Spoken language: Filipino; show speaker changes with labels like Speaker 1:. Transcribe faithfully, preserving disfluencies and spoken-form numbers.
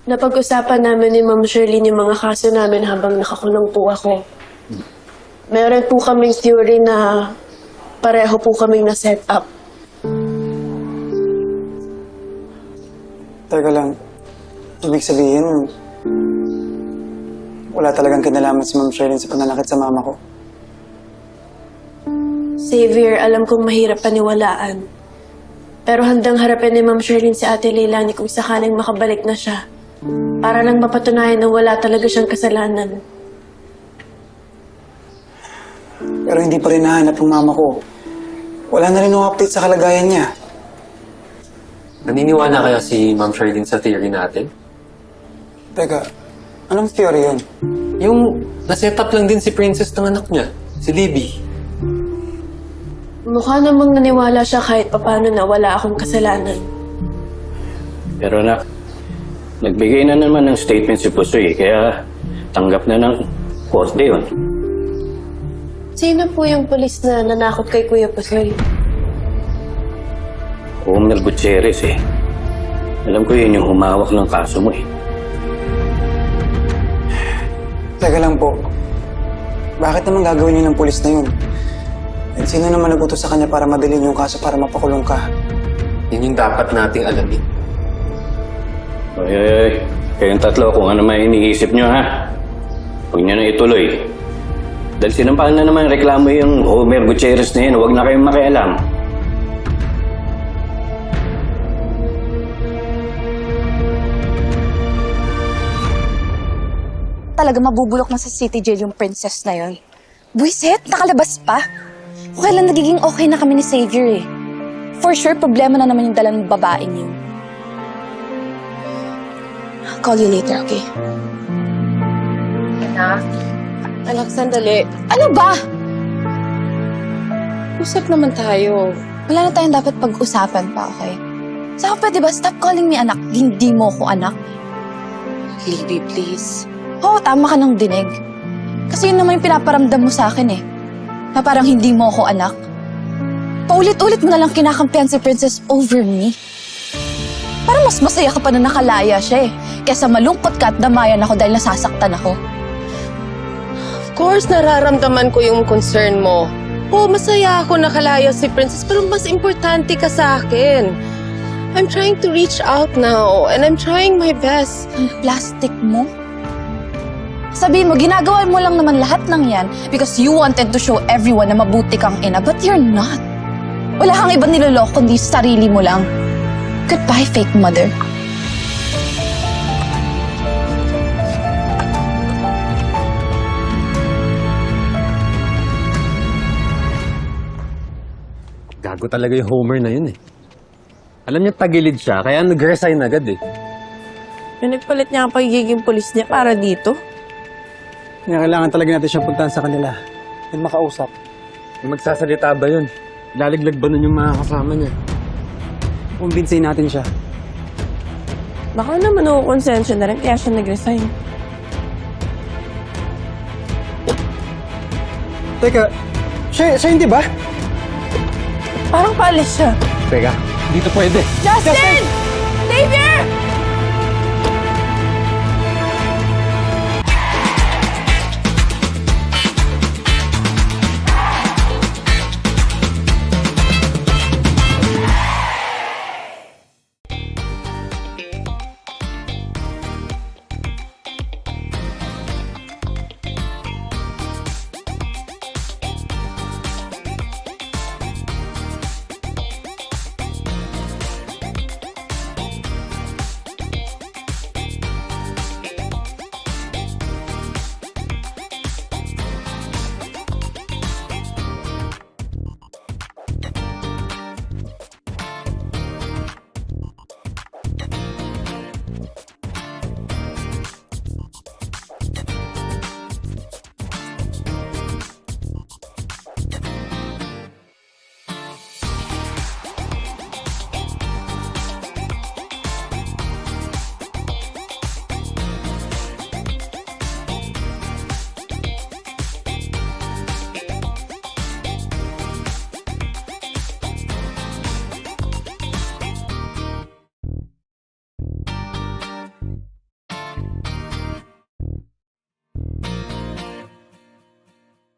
Speaker 1: Napag-usapan namin ni Ma'am Shirlene yung mga kaso namin habang nakakulong po ako. Meron po kaming theory na pareho po kaming na-set up.
Speaker 2: Teka lang, ibig sabihin, wala talagang kinalaman si Ma'am Shirlene sa pananakit sa mama ko.
Speaker 1: Xavier, alam kong mahirap paniwalaan. Pero handang harapin ni Ma'am Shirlene si Ate Leilani kung sakaling makabalik na siya. Para lang mapatunayan na wala talaga siyang kasalanan.
Speaker 2: Pero hindi pa rin nahanap ang mama ko. Wala na rin yung update sa kalagayan niya.
Speaker 3: Naniniwala kaya si Ma'am Shirlene sa theory natin?
Speaker 2: Teka, anong theory yun?
Speaker 3: Yung na-set up lang din si Princess ng anak niya, si Libby.
Speaker 1: Mukha namang naniwala siya kahit papano na wala akong kasalanan.
Speaker 4: Pero anak, nagbigay na naman ng statement si Pusoy, kaya tanggap na ng korte yun.
Speaker 1: Sino po yung polis na nanakot kay Kuya Pusoy?
Speaker 4: Homer Gutierrez eh. Alam ko yun yung humawak ng kaso mo eh.
Speaker 2: Teka lang po, bakit naman gagawin niyo ng pulis na yun? At sino naman nagutos sa kanya para madalhin yung kaso para mapakulong ka?
Speaker 3: Yun yung dapat nating alamin.
Speaker 4: Ay, ay, ay. Kayong tatlo, kung ano may iniisip nyo ha, huwag nyo na ituloy. Dahil sinampahan na naman reklamo yung Homer Gutierrez na yun, huwag na kayong makialam.
Speaker 5: Talaga mabubulok na sa city jail yung princess na yon. Buisit, nakalabas pa. Kung kailan nagiging okay na kami ni Xavier eh. For sure, problema na naman yung dala ng babaeng yun. I'll call you later, okay?
Speaker 6: Anak? Anak, sandali.
Speaker 5: Ano ba?
Speaker 6: Usap naman tayo.
Speaker 5: Wala na tayong dapat pag-usapan pa, okay? Saka pwede ba, stop calling me anak. Hindi mo ko anak.
Speaker 6: Libby, please.
Speaker 5: Oo, tama ka ng dinig. Kasi yun naman yung pinaparamdam mo sa akin eh. Na parang hindi mo ako anak. Paulit-ulit mo na lang kinakampihan si Princess over me. Parang mas masaya ka pa na nakalaya siya eh. Kesa malungkot ka at damayan ako dahil nasasaktan ako.
Speaker 6: Of course, nararamdaman ko yung concern mo. Oo, masaya ako nakalaya si Princess, pero mas importante ka sa akin. I'm trying to reach out now, and I'm trying my best.
Speaker 5: Ang plastic mo? Sabihin mo, ginagawa mo lang naman lahat ng yan because you wanted to show everyone na mabuti kang ina, but you're not. Wala kang ibang niloloko kundi sarili mo lang. Goodbye, fake mother.
Speaker 3: Gago talaga yung Homer na yun eh. Alam niya tagilid siya, kaya nag-resign agad eh.
Speaker 7: Pinagpalit niya ang pagiging polis niya para dito.
Speaker 2: Kaya kailangan talaga natin siyang puntahan sa kanila at makausap.
Speaker 3: Magsasalita ba yun? Laliglag ba nun yung mga kasama niya?
Speaker 2: Kumbinsin natin siya.
Speaker 7: Baka naman nakukonsensya na rin kaya siya nag-resign.
Speaker 2: Teka, siya, siya hindi ba?
Speaker 7: Parang paalis siya.
Speaker 3: Teka, dito pwede.
Speaker 7: Justin! Xavier!